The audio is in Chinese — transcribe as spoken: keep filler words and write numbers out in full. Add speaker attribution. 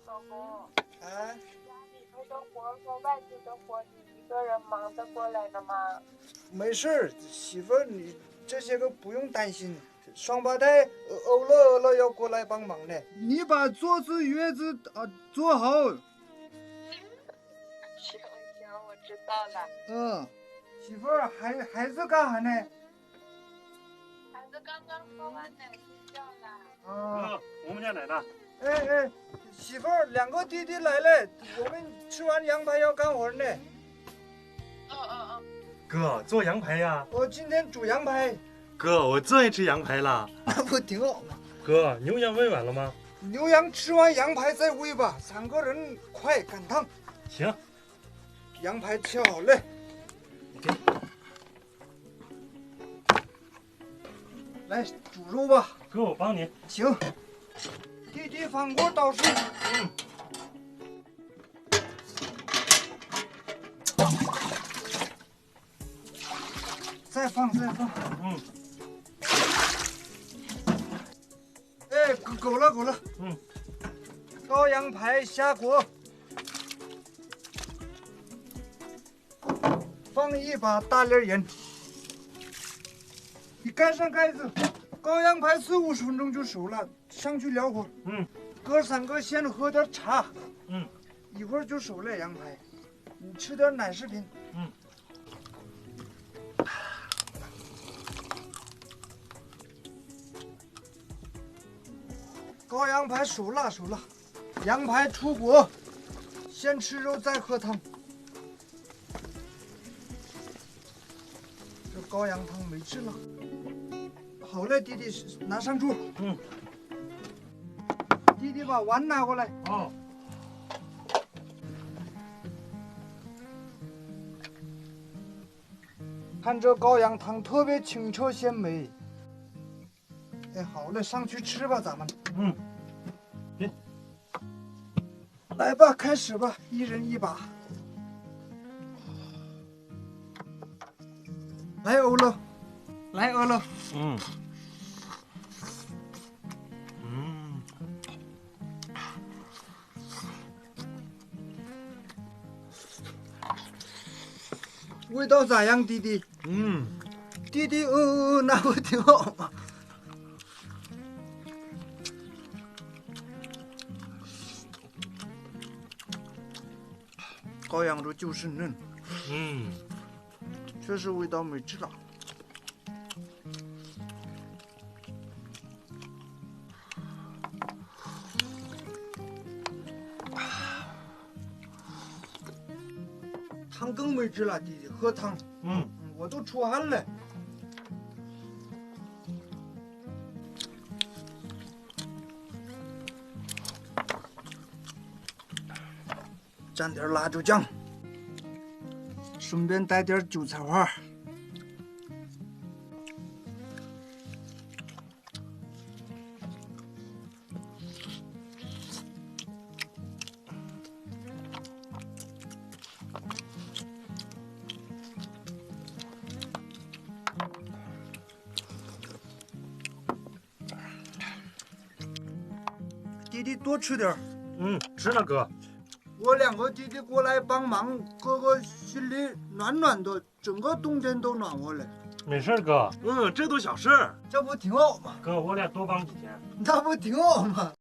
Speaker 1: 老公，
Speaker 2: 哎，
Speaker 1: 家里头的活和外头的活，你一个人忙得过来的吗？
Speaker 2: 没事儿，媳妇儿，你这些个不用担心。双胞胎呃欧乐欧乐要过来帮忙呢。
Speaker 3: 你把坐姿月子啊做好。
Speaker 1: 行行，我知道了。
Speaker 3: 嗯，
Speaker 2: 媳妇儿，孩孩子干啥呢？
Speaker 1: 孩子刚刚喝完奶睡觉了。
Speaker 2: 啊，
Speaker 4: 哥，我们家来了。
Speaker 2: 哎哎，媳妇儿，两个弟弟来了，我们吃完羊排要干活呢。
Speaker 1: 嗯嗯嗯。
Speaker 4: 哥，做羊排呀？
Speaker 2: 我今天煮羊排，
Speaker 4: 哥，我最爱吃羊排了。
Speaker 2: 那不挺好吗？
Speaker 4: 哥，牛羊喂完了吗？
Speaker 2: 牛羊吃完羊排再喂吧，三个人快赶趟。
Speaker 4: 行。
Speaker 2: 羊排切好了，
Speaker 4: 给。
Speaker 2: 来煮肉吧。
Speaker 4: 哥，我帮你。
Speaker 2: 行。弟弟翻锅倒水。
Speaker 4: 嗯。
Speaker 2: 再放再放。
Speaker 4: 嗯。
Speaker 2: 哎，够够了够了。
Speaker 4: 嗯。
Speaker 2: 高羊排下锅，放一把大粒盐，你盖上盖子。高羊排四五十分钟就熟了，上去燎火。
Speaker 4: 嗯。
Speaker 2: 哥三个先喝点茶。
Speaker 4: 嗯。
Speaker 2: 一会儿就熟了羊排，你吃点奶制品。
Speaker 4: 嗯。
Speaker 2: 高羊排熟了熟了，羊排出锅，先吃肉再喝汤。这羔羊汤没吃了。好嘞，弟弟，拿上桌。
Speaker 4: 嗯。
Speaker 2: 弟弟把碗拿过来。
Speaker 4: 哦。
Speaker 2: 看这羔羊汤特别清澈鲜美。哎，好嘞，上去吃吧，咱们。
Speaker 4: 嗯。给。
Speaker 2: 来吧，开始吧，一人一把。来，欧乐，来，欧乐。
Speaker 4: 嗯。嗯。
Speaker 2: 味道咋样，弟弟？
Speaker 4: 嗯。
Speaker 2: 弟弟，嗯嗯嗯，那不挺好吗？羔羊肉就是嫩。
Speaker 4: 嗯。
Speaker 2: 确实味道没治了。汤更没治了，弟弟，喝汤。
Speaker 4: 嗯。
Speaker 2: 我都出汗了。蘸点辣椒酱。顺便带点韭菜花。弟弟多吃点。
Speaker 4: 嗯，吃了哥。
Speaker 2: 我两个弟弟过来帮忙，哥哥心里暖暖的，整个冬天都暖和了。
Speaker 4: 没事哥，嗯，这都小事。
Speaker 2: 这不挺好吗？
Speaker 4: 哥，我俩多帮几天。
Speaker 2: 那不挺好吗？